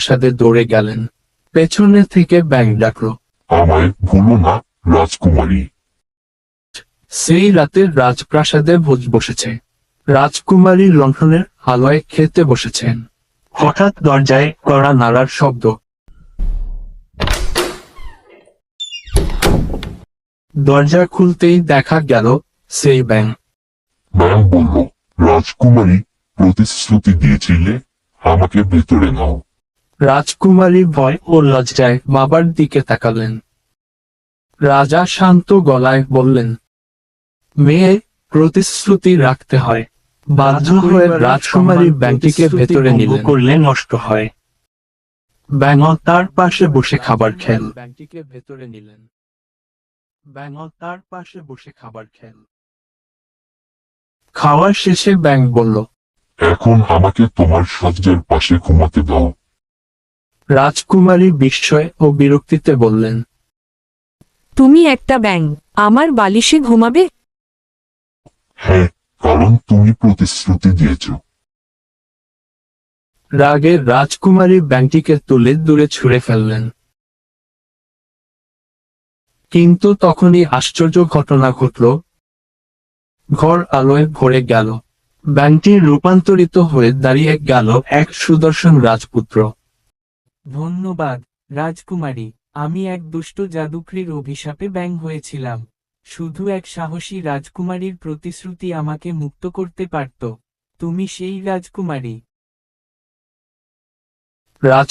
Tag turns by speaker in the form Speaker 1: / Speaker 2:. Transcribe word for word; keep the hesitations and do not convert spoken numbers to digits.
Speaker 1: রাজপ্রাসাদে দৌড়ে গেলেন। পেছনে থেকে ব্যাঙ ডাকল,
Speaker 2: আমায় ভুলো না রাজকুমারী।
Speaker 1: সেই রাতে রাজপ্রাসাদে ভোজ বসেছে। রাজকুমারী লণ্ঠনের আলোয় খেতে বসেছেন। হঠাৎ দরজায় কড়া নাড়ার শব্দ। দরজা খুলতেই দেখা গেল সেই ব্যাঙ।
Speaker 2: ব্যাং বলল, রাজকুমারী, প্রতিশ্রুতি দিয়েছিলে, আমাকে ভেতরে নাও।
Speaker 1: রাজকুমারী ভয় ও লজ্জায় বাবার দিকে তাকালেন। রাজা শান্ত গলায় বললেন, মেয়ে, প্রতিশ্রুতি রাখতে হয়। বাধ্য হয়ে রাজকুমারী ব্যাংকটিকে ভেতরে নিলেন। করলে নষ্ট হয়। ব্যাঙ তার পাশে বসে খাবার খেল। ব্যাংকটিকে ভেতরে নিলেন। ব্যাঙ তার পাশে বসে খাবার খেল। খাওয়ার শেষে ব্যাঙ বলল,
Speaker 2: এখন আমাকে তোমার শয্যার পাশে ঘুমাতে দাও।
Speaker 1: রাজকুমারী বিস্ময় ও বিরক্তিতে বললেন,
Speaker 3: তুমি একটা ব্যাঙ, আমার বালিশে ঘুমাবে?
Speaker 2: হ্যাঁ, কারণ তুমি প্রতিশ্রুতি দিয়েছ।
Speaker 1: রাগে রাজকুমারী ব্যাংকটিকে তুলে দূরে ছুঁড়ে ফেললেন। কিন্তু তখনই আশ্চর্য ঘটনা ঘটল। ঘর আলোয় ভরে গেল। ব্যাংকটি রূপান্তরিত হয়ে দাঁড়িয়ে গেল এক সুদর্শন রাজপুত্র।
Speaker 4: ধন্যবাদ, রাজকুমারী। আমি এক দুষ্ট জাদুকরীর অভিশাপে ব্যাঙ হয়েছিলাম। শুধু এক সাহসী রাজকুমারীর প্রতিশ্রুতি আমাকে মুক্ত করতে পারত। তুমি সেই রাজকুমারী।
Speaker 1: রাজ